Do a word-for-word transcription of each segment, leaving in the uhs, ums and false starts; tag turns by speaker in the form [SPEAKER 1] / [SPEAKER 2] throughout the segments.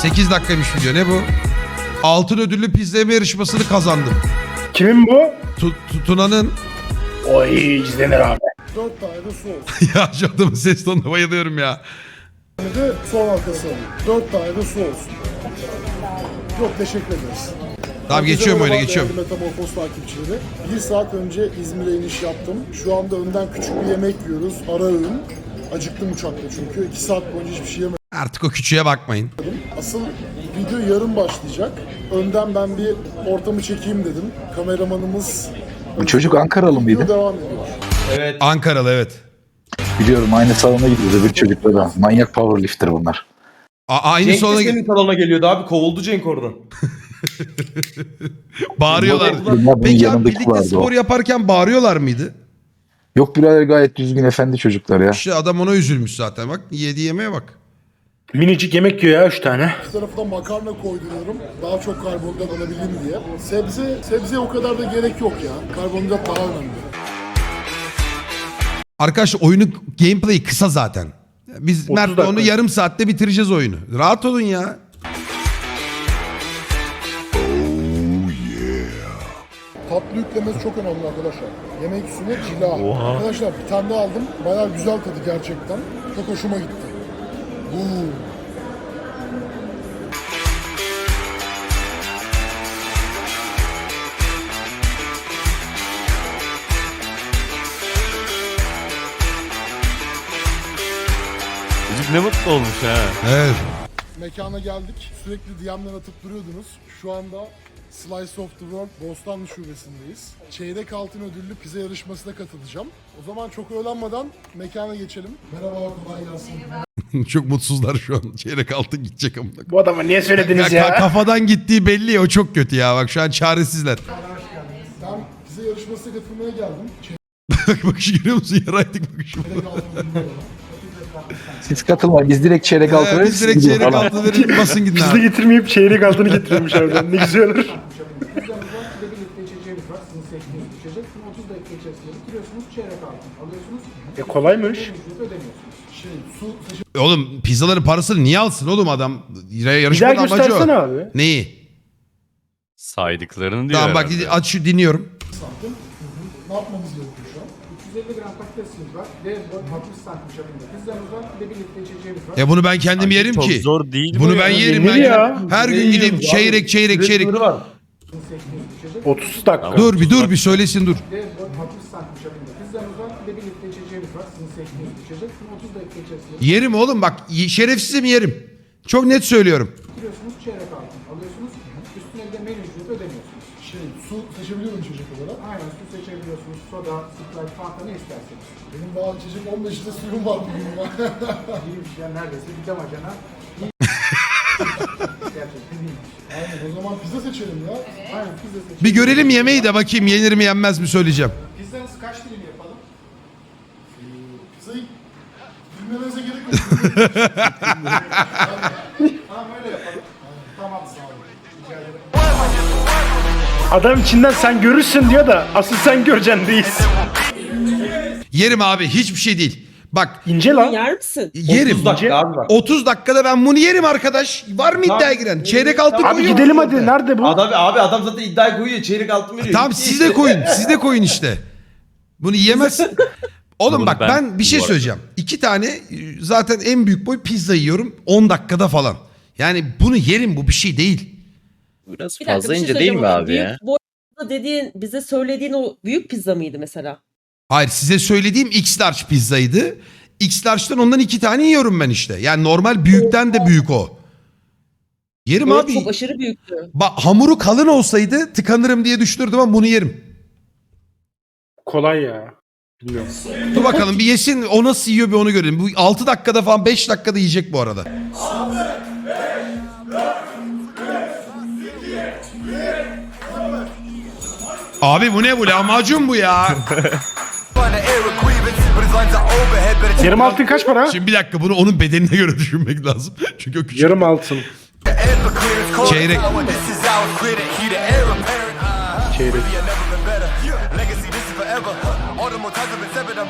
[SPEAKER 1] sekiz dakikaymış video, ne bu? Altın ödüllü pizza yeme yarışmasını kazandım.
[SPEAKER 2] Kimin bu?
[SPEAKER 1] Tu- Tuna'nın.
[SPEAKER 2] Oy izlenir abi.
[SPEAKER 3] Dört tane de sos.
[SPEAKER 1] Ya şu adamın ses tonuna bayılıyorum ya.
[SPEAKER 3] Bir de son halkası alayım. Dört tane de su olsun. Çok teşekkür ederiz.
[SPEAKER 1] Tamam, geçiyorum öyle, geçiyorum.
[SPEAKER 3] Metamorfoz takipçileri. Bir saat önce İzmir'e iniş yaptım. Şu anda önden küçük bir yemek yiyoruz. Ara öğün. Acıktım uçakta çünkü. iki saat boyunca hiçbir şey yemedim.
[SPEAKER 1] Artık o küçüğe bakmayın.
[SPEAKER 3] Asıl video yarın başlayacak. Önden ben bir ortamı çekeyim dedim. Kameramanımız...
[SPEAKER 4] Bu çocuk Ankaralı
[SPEAKER 3] Video
[SPEAKER 4] mıydı?
[SPEAKER 3] devam ediyor.
[SPEAKER 5] Evet.
[SPEAKER 1] Ankaralı, evet.
[SPEAKER 4] Biliyorum, aynı salona gidiyordu bir çocukla da. Manyak powerlifter bunlar.
[SPEAKER 1] A- aynı
[SPEAKER 5] Cenk de
[SPEAKER 1] salona
[SPEAKER 5] senin salona geliyordu abi. Kovuldu Cenk oradan.
[SPEAKER 1] bağırıyorlar.
[SPEAKER 4] Bunlar bunun
[SPEAKER 1] Peki abi,
[SPEAKER 4] yanındaki
[SPEAKER 1] birlikte
[SPEAKER 4] vardı
[SPEAKER 1] spor
[SPEAKER 4] o.
[SPEAKER 1] yaparken bağırıyorlar mıydı?
[SPEAKER 4] Yok birader, gayet düzgün efendi çocuklar ya.
[SPEAKER 1] İşte adam ona üzülmüş zaten, bak yedi yemeğe bak.
[SPEAKER 2] Minicik yemek yiyor ya üç tane.
[SPEAKER 3] Bir tarafına makarna koyduruyorum. Daha çok karbonhidrat alabileyim diye. Sebze, sebzeye o kadar da gerek yok ya. Karbonhidrat daha önemli.
[SPEAKER 1] Arkadaşlar oyunun gameplay'i kısa zaten. Biz Mert'le
[SPEAKER 2] dakika.
[SPEAKER 1] onu yarım saatte bitireceğiz oyunu. Rahat olun ya.
[SPEAKER 3] Tatlı yüklemesi çok önemli arkadaşlar. Yemek üstüne cila. Arkadaşlar bir tane daha aldım. Bayağı güzel tadı gerçekten. Çok hoşuma gitti. Uuu.
[SPEAKER 6] Çocuk ne mutlu olmuş ha.
[SPEAKER 1] Evet.
[SPEAKER 3] Mekana geldik. Sürekli D M'den atıp duruyordunuz. Şu anda Slice of the World Bostanlı Şubesi'ndeyiz. Çeyrek altın ödüllü pizza yarışmasına katılacağım. O zaman çok öğlenmeden mekana geçelim. Merhaba, kolay gelsin.
[SPEAKER 1] Çok mutsuzlar şu an. Çeyrek altın gidecek amına.
[SPEAKER 2] Bu adama niye söylediniz
[SPEAKER 1] Ya, ka-
[SPEAKER 2] ya?
[SPEAKER 1] kafadan gittiği belli ya, o çok kötü ya. Bak şu an çaresizler.
[SPEAKER 3] Ben pizza yarışmasına katılmaya geldim.
[SPEAKER 1] Bak bakışı görüyor musun? Yaraydık bakışı.
[SPEAKER 3] Çeyrek altın ödüllü.
[SPEAKER 4] Siz katılmayın, biz direkt çeyrek altı
[SPEAKER 1] Ee,
[SPEAKER 4] veririz.
[SPEAKER 1] biz
[SPEAKER 4] siz
[SPEAKER 1] direkt
[SPEAKER 4] gidin
[SPEAKER 1] çeyrek
[SPEAKER 4] falan.
[SPEAKER 1] altın verin, basın gidin
[SPEAKER 2] Pizza
[SPEAKER 1] abi.
[SPEAKER 2] getirmeyip çeyrek altını getiriyormuş harbiden. Ne güzel olur.
[SPEAKER 3] Pizzamızdan bir de birlikte içeceğimiz var. Sizin seçtiğiniz içecek. Bunu otuz dakika içerisinde bitiriyorsunuz. Çeyrek altın alıyorsunuz.
[SPEAKER 2] E kolaymış.
[SPEAKER 3] Ücreti ödemiyorsunuz. Şey, su seçim
[SPEAKER 1] Oğlum pizzaların parasını niye alsın oğlum adam?
[SPEAKER 2] Bir daha
[SPEAKER 1] Yarışmanın amacı
[SPEAKER 2] göstersene
[SPEAKER 1] o.
[SPEAKER 2] abi.
[SPEAKER 1] Neyi?
[SPEAKER 6] Saydıklarını diyor
[SPEAKER 1] Tamam bak,
[SPEAKER 6] herhalde.
[SPEAKER 1] aç şu, dinliyorum.
[SPEAKER 3] santim. Ne yapmamız gerekiyor şu an? üç yüz elli gram patatesimiz var. Dev boy altmış santim çapında pizzamız var. Bir de birlikte içeceğimiz var.
[SPEAKER 1] Ya bunu ben kendim
[SPEAKER 6] Sanki
[SPEAKER 1] yerim
[SPEAKER 6] çok
[SPEAKER 1] ki.
[SPEAKER 6] zor değil
[SPEAKER 1] Bunu
[SPEAKER 6] bu
[SPEAKER 1] ben
[SPEAKER 6] ya.
[SPEAKER 1] yerim.
[SPEAKER 2] Yenir
[SPEAKER 1] Ben
[SPEAKER 2] ya.
[SPEAKER 1] yerim. Her gün gideyim çeyrek çeyrek çeyrek.
[SPEAKER 5] Sınırı var.
[SPEAKER 3] Sizin seçtiğiniz içecek.
[SPEAKER 2] otuz dakika.
[SPEAKER 1] Dur bir dur bir söylesin dur.
[SPEAKER 3] Dev boy altmış santim çapında pizzamız var. Bir de birlikte içeceğimiz var. Sizin seçtiğiniz içecek. Bunu otuz dakika içerisinde
[SPEAKER 1] Yerim oğlum bak, y- şerefsizim yerim. Çok net söylüyorum.
[SPEAKER 3] bitiriyorsunuz. Çeyrek altın alıyorsunuz. Üstüne bir de menü ücreti ödemiyorsunuz. Şey, su seçebiliyorum içecek olarak. Aynen, su seçebiliyorsunuz. Soda, Sprite, Fanta ne isterseniz. Benim daha içecek on beş litre suyum var bugün ya. İyiymiş ya, neredeyse bir damacana. Gerçekten iyiymiş. Aynen, o zaman pizza seçelim ya. Aynen, pizza seçelim.
[SPEAKER 1] Bir görelim yemeği de bakayım yenir mi yenmez mi söyleyeceğim.
[SPEAKER 3] Pizzanızı kaç dilim yapalım? Ee, pizzayı bilmemenize gerek yok. Tamam, öyle yapalım. Tamam, sağ olun. Rica ederim.
[SPEAKER 2] Adam içinden sen görürsün diyor da asıl sen göreceksin değilsin.
[SPEAKER 1] Yerim abi, hiçbir şey değil. Bak
[SPEAKER 2] İnce lan.
[SPEAKER 7] Yer misin?
[SPEAKER 1] yerim.
[SPEAKER 5] otuz dakika abi bak.
[SPEAKER 1] otuz dakikada ben bunu yerim arkadaş. Var mı iddiaya giren? Çeyrek altın
[SPEAKER 2] Abi
[SPEAKER 1] koyuyor.
[SPEAKER 2] gidelim hadi. Nerede bu?
[SPEAKER 5] Adam, abi adam zaten iddiayı koyuyor. Çeyrek altın veriyor.
[SPEAKER 1] Tamam siz de koyun. Siz de koyun işte. Bunu yiyemezsin. Oğlum
[SPEAKER 6] Bunu
[SPEAKER 1] bak ben,
[SPEAKER 6] ben-
[SPEAKER 1] bir şey
[SPEAKER 6] bu arada.
[SPEAKER 1] söyleyeceğim. İki tane e, zaten en büyük boy pizza yiyorum. on dakikada falan. Yani bunu yerim, bu bir şey değil.
[SPEAKER 6] Biraz
[SPEAKER 7] Bir dakika,
[SPEAKER 6] fazla
[SPEAKER 7] bir şey
[SPEAKER 6] ince değil mi
[SPEAKER 7] söyleyeceğim ama
[SPEAKER 6] abi
[SPEAKER 7] büyük
[SPEAKER 6] ya?
[SPEAKER 7] boy pizza dediğin, bize söylediğin o büyük pizza mıydı mesela?
[SPEAKER 1] Hayır, size söylediğim X large pizzaydı. X large'dan ondan iki tane yiyorum ben işte. Yani normal büyükten de büyük o. Yerim
[SPEAKER 7] Evet,
[SPEAKER 1] abi.
[SPEAKER 7] çok aşırı büyüktü.
[SPEAKER 1] Bak hamuru kalın olsaydı tıkanırım diye düşünürdüm ama bunu yerim.
[SPEAKER 2] Kolay ya. Bilmiyorum.
[SPEAKER 1] Dur bakalım bir yesin, o nasıl yiyor bir onu görelim. Bu altı dakikada falan beş dakikada yiyecek bu arada. Abi bu ne, bu lahmacun bu ya.
[SPEAKER 2] Yarım altın kaç para?
[SPEAKER 1] Şimdi bir dakika, bunu onun bedenine göre düşünmek lazım. Çünkü o küçük.
[SPEAKER 2] Yarım altın.
[SPEAKER 1] Çeyrek.
[SPEAKER 2] Çeyrek.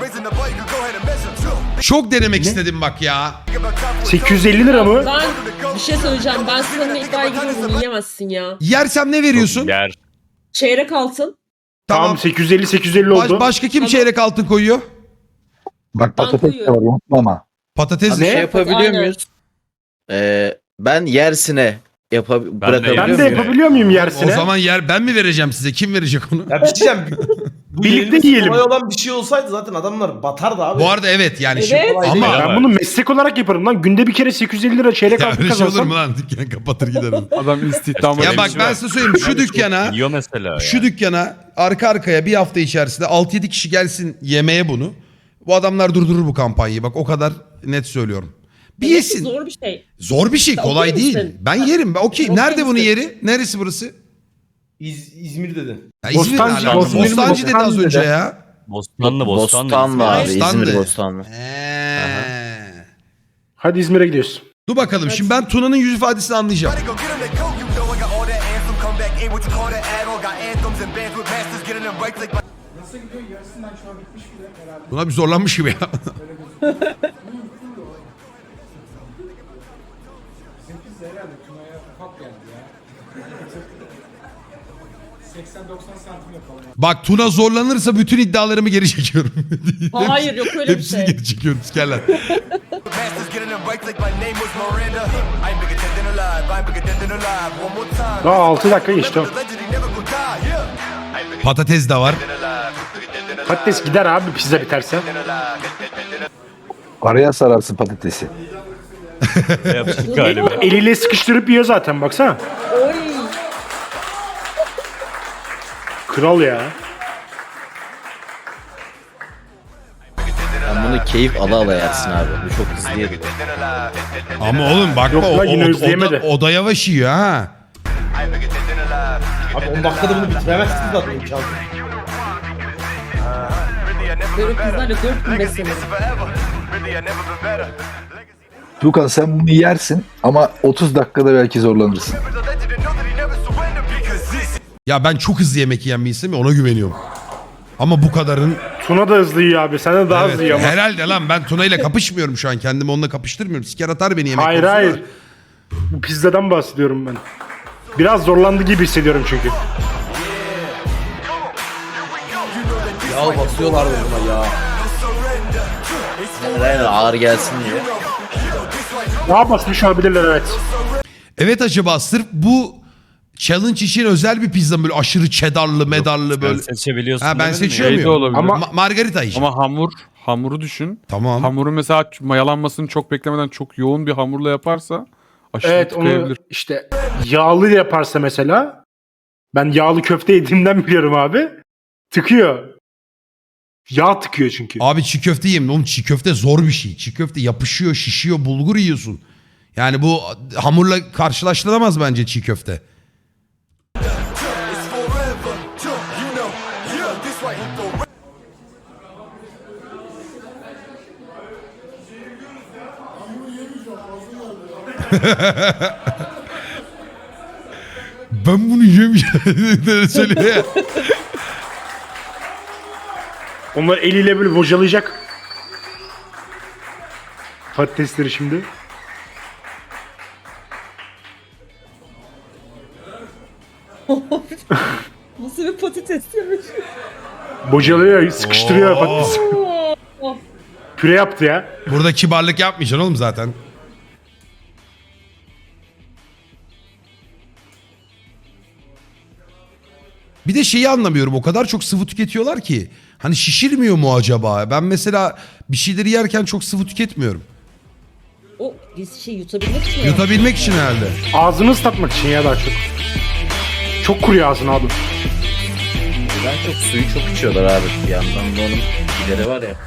[SPEAKER 1] Çok denemek istedim bak ya.
[SPEAKER 2] sekiz yüz elli lira mı?
[SPEAKER 7] Ben Bir şey söyleyeceğim. Ben seninle iddiaya giriyorum. Yiyemezsin ya.
[SPEAKER 1] Yersem ne veriyorsun?
[SPEAKER 6] Yer.
[SPEAKER 7] Çeyrek altın.
[SPEAKER 2] Tamam,
[SPEAKER 1] Tamam.
[SPEAKER 2] sekiz yüz elli sekiz yüz elli
[SPEAKER 1] Baş-
[SPEAKER 2] oldu.
[SPEAKER 1] başka kim
[SPEAKER 7] Tamam.
[SPEAKER 1] çeyrek altın koyuyor?
[SPEAKER 4] Bak
[SPEAKER 7] Ben
[SPEAKER 4] patates de
[SPEAKER 7] koyuyorum.
[SPEAKER 4] var unutma ama.
[SPEAKER 1] Patates
[SPEAKER 8] Şey
[SPEAKER 1] ne?
[SPEAKER 8] yapabiliyor
[SPEAKER 7] Aynen.
[SPEAKER 8] muyuz? Ee, ben yersine yapab
[SPEAKER 6] de
[SPEAKER 8] bırakabiliyor
[SPEAKER 2] Ben de
[SPEAKER 8] muyum?
[SPEAKER 2] yapabiliyor muyum yersine?
[SPEAKER 1] O zaman yer ben mi vereceğim size? Kim verecek onu?
[SPEAKER 5] Ya bir şey diyeceğim. Bu
[SPEAKER 2] Birlikte
[SPEAKER 5] yenilmesi
[SPEAKER 2] yiyelim.
[SPEAKER 5] kolay olan bir şey olsaydı zaten adamlar batardı abi.
[SPEAKER 1] Bu arada evet yani
[SPEAKER 7] Evet.
[SPEAKER 1] şimdi
[SPEAKER 5] Kolay
[SPEAKER 1] ama
[SPEAKER 5] değil.
[SPEAKER 2] Ben bunu meslek olarak yaparım lan. Günde bir kere sekiz yüz elli lira çeyrek
[SPEAKER 1] ya
[SPEAKER 2] altın
[SPEAKER 1] öyle şey olur
[SPEAKER 2] kazansam.
[SPEAKER 1] mu lan? Dükkan kapatır gider onu.
[SPEAKER 6] Adam istihdamı.
[SPEAKER 1] Ya bak ben size söyleyeyim şu dükkana
[SPEAKER 6] Yiyor mesela
[SPEAKER 1] şu
[SPEAKER 6] ya.
[SPEAKER 1] dükkana arka arkaya bir hafta içerisinde altı yedi kişi gelsin yemeye bunu. Bu adamlar durdurur bu kampanyayı. Bak o kadar net söylüyorum. Bir
[SPEAKER 7] Evet,
[SPEAKER 1] yesin.
[SPEAKER 7] Zor bir şey.
[SPEAKER 1] Zor bir şey,
[SPEAKER 7] Sen
[SPEAKER 1] kolay
[SPEAKER 7] okey
[SPEAKER 1] değil.
[SPEAKER 7] misin?
[SPEAKER 1] Ben yerim. Ben okey.
[SPEAKER 7] Okey
[SPEAKER 1] Nerede bunun
[SPEAKER 7] misin?
[SPEAKER 1] yeri? Neresi burası?
[SPEAKER 5] İz, İzmir dedi.
[SPEAKER 1] Ya İzmir
[SPEAKER 2] Bostancı,
[SPEAKER 1] alakalı.
[SPEAKER 2] Bostancı,
[SPEAKER 1] Bostancı dedi az
[SPEAKER 2] Bostancı
[SPEAKER 1] önce
[SPEAKER 2] dedi.
[SPEAKER 1] ya.
[SPEAKER 6] Bostanlı Bostanlı.
[SPEAKER 8] Bostanlı abi.
[SPEAKER 1] Bostanlı.
[SPEAKER 8] İzmir Bostanlı.
[SPEAKER 1] Eee.
[SPEAKER 2] Hadi İzmir'e gidiyoruz.
[SPEAKER 1] Dur bakalım. Şimdi ben Tuna'nın yüz ifadesini anlayacağım.
[SPEAKER 9] Go get 'em that coat, you know I got all that anthem. Come back, ain't what you call that add-on. Got anthems and bands with masters, getting them right like
[SPEAKER 1] Tuna bir zorlanmış gibi ya. Bak Tuna zorlanırsa bütün iddialarımı geri çekiyorum.
[SPEAKER 7] Hayır yok öyle bir
[SPEAKER 1] Hepsini
[SPEAKER 7] şey.
[SPEAKER 1] geri çekiyorum. Sikerler.
[SPEAKER 9] masters, getting them right like my name was Miranda. I ain't bigger dead than alive, I ain't bigger dead than alive. One more time.
[SPEAKER 2] Daha altı dakika geçti.
[SPEAKER 9] The legend, he never gonna die, yeah. I ain't bigger
[SPEAKER 1] Patates de var.
[SPEAKER 9] dead than alive, bigger dead than alive.
[SPEAKER 2] Patates gider abi pizza biterse.
[SPEAKER 4] Araya sararsın patatesi.
[SPEAKER 6] Yapacak galiba.
[SPEAKER 2] Eliyle sıkıştırıp yiyor zaten baksana.
[SPEAKER 7] Oy.
[SPEAKER 2] Kral ya.
[SPEAKER 8] Sen bunu keyif ala ala yersin abi. Bu çok hızlı yedim.
[SPEAKER 1] Ama oğlum bakma
[SPEAKER 2] Yok
[SPEAKER 1] o,
[SPEAKER 2] lan, yine
[SPEAKER 1] o, o,
[SPEAKER 2] özleyemedi.
[SPEAKER 1] da, o da yavaş yiyor ha.
[SPEAKER 5] Abi on dakikada bunu bitiremezsin zaten imkansız.
[SPEAKER 7] Böyle kızlarla dört gün beslenirim.
[SPEAKER 4] Tukan sen bunu yersin ama otuz dakikada belki zorlanırsın.
[SPEAKER 1] Ya ben çok hızlı yemek yiyen bir insanım ya, ona güveniyorum. Ama bu kadarın...
[SPEAKER 2] Tuna da hızlı yiyor abi. Sen de daha
[SPEAKER 1] Evet,
[SPEAKER 2] hızlı yiyor ama.
[SPEAKER 1] herhalde lan ben Tuna ile kapışmıyorum şu an. Kendimi onunla kapıştırmıyorum. Siker atar beni yemek
[SPEAKER 2] Hayır
[SPEAKER 1] konusunda.
[SPEAKER 2] hayır. Bu pizzadan bahsediyorum ben. Biraz zorlandı gibi hissediyorum çünkü.
[SPEAKER 5] Ya basıyorlar buna ya.
[SPEAKER 8] Aynen ağır gelsin diye.
[SPEAKER 2] Daha basmış olabilirler evet.
[SPEAKER 1] Evet acaba sırf bu challenge için özel bir pizza mı? Böyle aşırı cheddarlı, medarlı
[SPEAKER 6] Sen
[SPEAKER 1] böyle.
[SPEAKER 6] seçebiliyorsun.
[SPEAKER 1] Ha, ben
[SPEAKER 6] demedin mi?
[SPEAKER 1] seçiyor
[SPEAKER 6] Şey de
[SPEAKER 1] muyum?
[SPEAKER 6] olabilir.
[SPEAKER 2] Ama-
[SPEAKER 1] Ma- margarita için.
[SPEAKER 10] Ama hamur, hamuru düşün.
[SPEAKER 1] Tamam.
[SPEAKER 10] Hamuru mesela mayalanmasını çok beklemeden çok yoğun bir hamurla yaparsa aşırı
[SPEAKER 2] Evet onu
[SPEAKER 10] tıkayabilir.
[SPEAKER 2] işte yağlı yaparsa mesela. Ben yağlı köfte yediğimden biliyorum abi. Tıkıyor. Yağ tıkıyor çünkü.
[SPEAKER 1] Abi çiğ köfte yiyeyim. Oğlum çiğ köfte zor bir şey. Çiğ köfte yapışıyor, şişiyor, bulgur yiyorsun. Yani bu hamurla karşılaştırılamaz bence çiğ köfte. Ben bunu yemeyeceğim. Söylüyor ya.
[SPEAKER 2] Onlar eliyle böyle bocalayacak. Patatesleri şimdi.
[SPEAKER 7] Nasıl bir patates yemiş?
[SPEAKER 2] Bocalıyor, sıkıştırıyor patatesi. Püre yaptı ya.
[SPEAKER 1] Burada kibarlık yapmayacaksın oğlum zaten. Bir de şeyi anlamıyorum. O kadar çok sıvı tüketiyorlar ki. Hani şişirmiyor mu acaba? Ben mesela bir şeyleri yerken çok sıvı tüketmiyorum.
[SPEAKER 7] O biz şey yutabilmek için. ya.
[SPEAKER 1] Yutabilmek için herhalde.
[SPEAKER 2] Ağzını ıslatmak için ya daha çok. Çok kuruyor ağzın abi.
[SPEAKER 8] Ben çok suyu çok içiyorlar abi. Bir yandan da onun gideri var ya.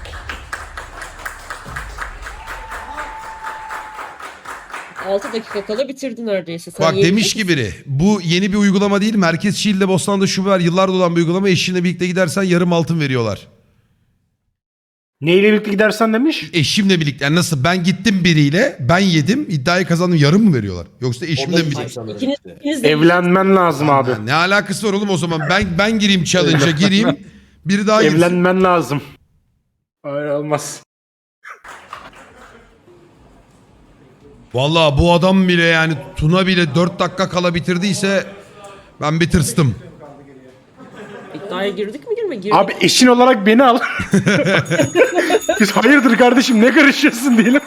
[SPEAKER 7] altı dakika kala bitirdin neredeyse. Sen
[SPEAKER 1] Bak
[SPEAKER 7] yiyebilecek
[SPEAKER 1] demiş ki
[SPEAKER 7] misin?
[SPEAKER 1] biri. Bu yeni bir uygulama değil. Merkez Şiil'de Bostan'da şube var. Yıllardır olan bir uygulama. Eşinle birlikte gidersen yarım altın veriyorlar.
[SPEAKER 2] Neyle birlikte gidersen demiş.
[SPEAKER 1] Eşimle birlikte. Yani nasıl? Ben gittim biriyle. Ben yedim. İddiayı kazandım. Yarım mı veriyorlar? Yoksa eşimle mi birlikte?
[SPEAKER 7] İkiniz, ikiniz de
[SPEAKER 2] Evlenmen lazım abi.
[SPEAKER 1] Ha, ne alakası var oğlum o zaman? Ben ben gireyim challenge'a gireyim. Biri daha girsin.
[SPEAKER 2] Evlenmen lazım. Öyle olmaz.
[SPEAKER 1] Vallahi bu adam bile yani Tuna bile dört dakika kala bitirdiyse ben bir tırstım.
[SPEAKER 7] İddiaya girdik mi girme? Girdik.
[SPEAKER 2] Abi eşin olarak beni al. Biz hayırdır kardeşim ne karışıyorsun diyelim.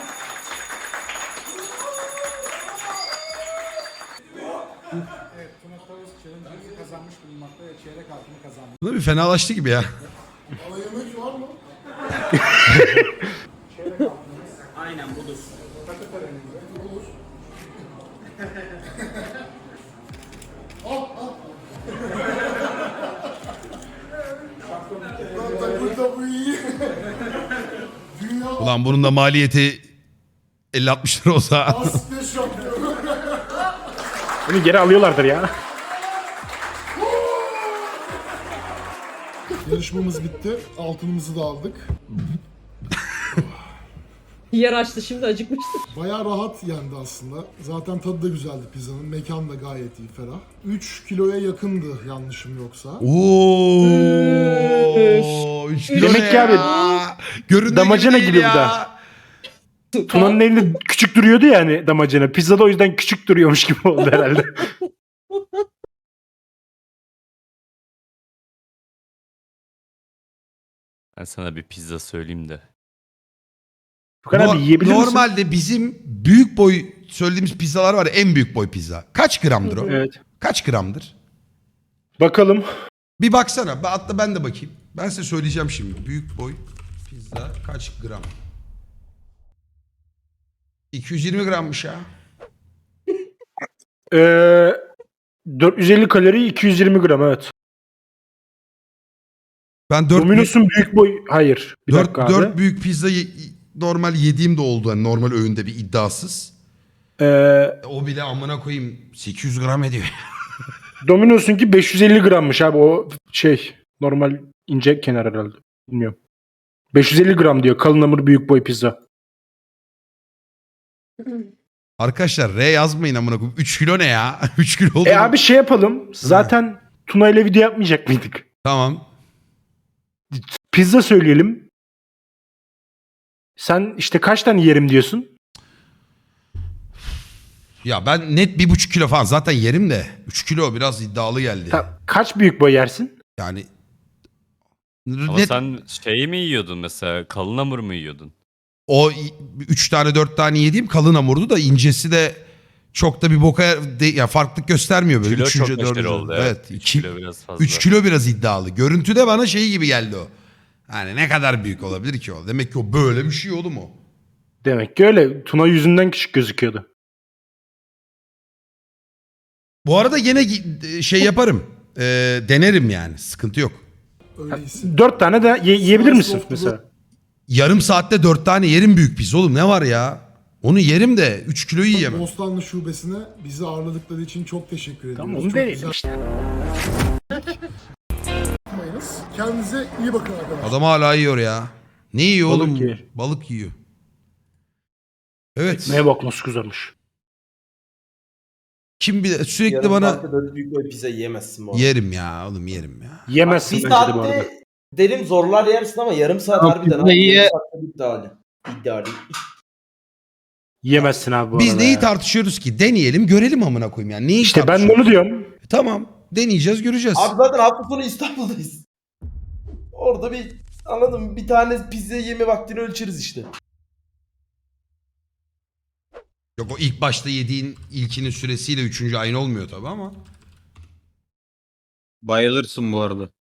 [SPEAKER 1] Tuna bir fenalaştı gibi ya.
[SPEAKER 3] Ama yemek var mı?
[SPEAKER 8] Aynen budur.
[SPEAKER 3] Tabii tabii iyi. Dünya
[SPEAKER 1] Ulan bunun da maliyeti elli altmış lira olsa.
[SPEAKER 3] Asya şampiyonu.
[SPEAKER 2] Bunu geri alıyorlardır ya.
[SPEAKER 3] Yarışmamız bitti. Altınımızı da aldık.
[SPEAKER 7] Yer açtı şimdi acıkmıştır.
[SPEAKER 3] Bayağı rahat yendi aslında. Zaten tadı da güzeldi pizzanın. Mekan da gayet iyi, ferah. üç kiloya yakındı yanlışım yoksa.
[SPEAKER 1] Oo, üç kilo
[SPEAKER 2] Demek
[SPEAKER 1] ne
[SPEAKER 2] ki abi,
[SPEAKER 1] ya? Göründüğü
[SPEAKER 2] damacana
[SPEAKER 1] değil
[SPEAKER 2] gibi bu
[SPEAKER 1] ya.
[SPEAKER 2] da. Tuna'nın elinde küçük duruyordu yani damacana. Pizza da o yüzden küçük duruyormuş gibi oldu herhalde.
[SPEAKER 6] Ben sana bir pizza söyleyeyim de.
[SPEAKER 2] Furkan abi
[SPEAKER 1] No-
[SPEAKER 2] yiyebilir misin?
[SPEAKER 1] Normalde bizim büyük boy söylediğimiz pizzalar var ya, en büyük boy pizza. Kaç gramdır o?
[SPEAKER 2] Evet.
[SPEAKER 1] Kaç gramdır?
[SPEAKER 2] Bakalım.
[SPEAKER 1] Bir baksana. Ben- Hatta ben de bakayım. Ben size söyleyeceğim şimdi. Büyük boy pizza kaç gram? iki yüz yirmi grammış ya.
[SPEAKER 2] Ee, dört yüz elli kalori iki yüz yirmi gram evet.
[SPEAKER 1] Ben dört,
[SPEAKER 2] Domino's'un büyük boy... Hayır. Bir
[SPEAKER 1] dört,
[SPEAKER 2] dakika abi.
[SPEAKER 1] dört büyük pizza ye- normal yediğim de oldu. Yani normal öğünde bir iddiasız.
[SPEAKER 2] Ee,
[SPEAKER 1] O bile amına koyayım sekiz yüz gram ediyor.
[SPEAKER 2] Domino's'unki beş yüz elli grammış abi o şey. Normal ince kenar herhalde. Bilmiyorum. beş yüz elli gram diyor kalın hamur büyük boy pizza.
[SPEAKER 1] Arkadaşlar R yazmayın amına koyayım. üç kilo ne ya? üç kilo oldu.
[SPEAKER 2] E abi şey yapalım. Zaten Tuna ile video yapmayacak mıydık?
[SPEAKER 1] Tamam.
[SPEAKER 2] Pizza söyleyelim. Sen işte kaç tane yerim diyorsun?
[SPEAKER 1] Ya ben net bir buçuk kilo falan zaten yerim de. üç kilo biraz iddialı geldi.
[SPEAKER 2] Ta- kaç büyük boy yersin?
[SPEAKER 1] Yani
[SPEAKER 6] Ama
[SPEAKER 1] net
[SPEAKER 6] sen şeyi mi yiyordun mesela? Kalın hamur mu yiyordun?
[SPEAKER 1] o üç tane dört tane yediğim kalın hamurdu da incesi de çok da bir boka de, ya farklılık göstermiyor böyle.
[SPEAKER 6] Kilo
[SPEAKER 1] Üçüncü,
[SPEAKER 6] çok neşteri
[SPEAKER 1] dördüncü-
[SPEAKER 6] oldu.
[SPEAKER 1] Evet.
[SPEAKER 6] Evet. üç
[SPEAKER 1] iki-
[SPEAKER 6] kilo biraz fazla.
[SPEAKER 1] üç kilo biraz iddialı. Görüntüde bana şey gibi geldi o. Yani ne kadar büyük olabilir ki o? Demek ki o böyle bir şey oğlum o.
[SPEAKER 2] Demek ki öyle. Tuna yüzünden küçük gözüküyordu.
[SPEAKER 1] Bu arada yine gi- şey yaparım. Ee, denerim yani. Sıkıntı yok.
[SPEAKER 3] Öyle hissettim.
[SPEAKER 2] Dört tane de ye- yiyebilir misin
[SPEAKER 3] Slice of
[SPEAKER 2] mesela?
[SPEAKER 1] Yarım saatte dört tane yerim büyük pizza oğlum. Ne var ya? Onu yerim de üç kiloyu yiyemem.
[SPEAKER 3] Bostanlı şubesine bizi ağırladıkları için çok teşekkür ediyoruz.
[SPEAKER 2] Tamam onu
[SPEAKER 3] Çok
[SPEAKER 2] deneyelim
[SPEAKER 3] güzel
[SPEAKER 2] işte.
[SPEAKER 3] yapmayınız. Kendinize iyi bakın arkadaşlar.
[SPEAKER 1] Adam hala yiyor ya. Ne yiyor
[SPEAKER 2] Balık
[SPEAKER 1] oğlum?
[SPEAKER 2] yiyor.
[SPEAKER 1] Balık yiyor. Evet.
[SPEAKER 2] Neye bak nasıl kızarmış.
[SPEAKER 1] Kim bir sürekli
[SPEAKER 5] Yarım
[SPEAKER 1] bana
[SPEAKER 5] saatte böyle büyük boy pizza yiyemezsin bu arada.
[SPEAKER 1] yerim ya oğlum yerim ya.
[SPEAKER 2] Yemezsin
[SPEAKER 5] Bir
[SPEAKER 2] bence de bu arada.
[SPEAKER 5] saatte derim zorlar yersin ama yarım saat
[SPEAKER 8] Yok,
[SPEAKER 5] harbiden.
[SPEAKER 8] pizzayı
[SPEAKER 5] Yarım
[SPEAKER 8] ye-
[SPEAKER 5] saatte iddialı. İddialı.
[SPEAKER 2] Yemezsin abi bu
[SPEAKER 1] Biz
[SPEAKER 2] arada
[SPEAKER 1] neyi
[SPEAKER 2] ya.
[SPEAKER 1] tartışıyoruz ki? Deneyelim görelim amına koyayım yani. Neyi
[SPEAKER 2] İşte ben de
[SPEAKER 1] tartışıyoruz?
[SPEAKER 2] onu diyorum.
[SPEAKER 1] Tamam. Deneyeceğiz göreceğiz.
[SPEAKER 5] Abi zaten hafta sonu İstanbul'dayız. Orada bir anladın mı? Bir tane pizza yeme vaktini ölçeriz işte.
[SPEAKER 1] Yok o ilk başta yediğin ilkinin süresiyle üçüncü aynı olmuyor tabii ama.
[SPEAKER 8] Bayılırsın bu arada.